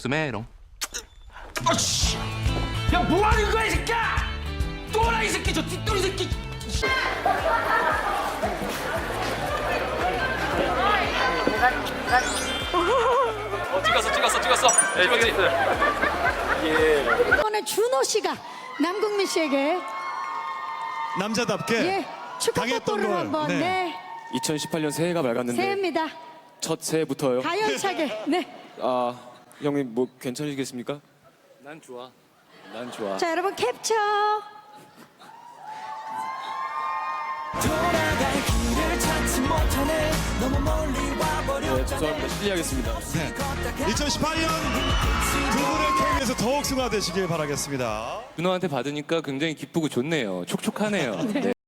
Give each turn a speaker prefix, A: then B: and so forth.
A: 스메롱.
B: 아씨! 야 뭐하는 거야 이 새끼야! 또라이 새끼 저 뒷돌이 새끼!
C: 찍었어.
D: 이번에 준호 씨가 남궁민 씨에게
E: 남자답게
D: 예 축하
E: 당했던
D: 뽀뽀를
E: 걸,
D: 한번
E: 네.
D: 네,
C: 2018년 새해가 밝았는데
D: 새해입니다.
C: 첫 새해부터요.
D: 가열차게 네.
C: 아 형님 뭐 괜찮으시겠습니까? 난 좋아.
D: 자 여러분 캡처.
C: 네, 죄송합니다. 실례하겠습니다.
E: 2018년 두 분의 케이크에서 더욱 승화되시길 바라겠습니다.
F: 준호한테 받으니까 굉장히 기쁘고 좋네요. 촉촉하네요. 네.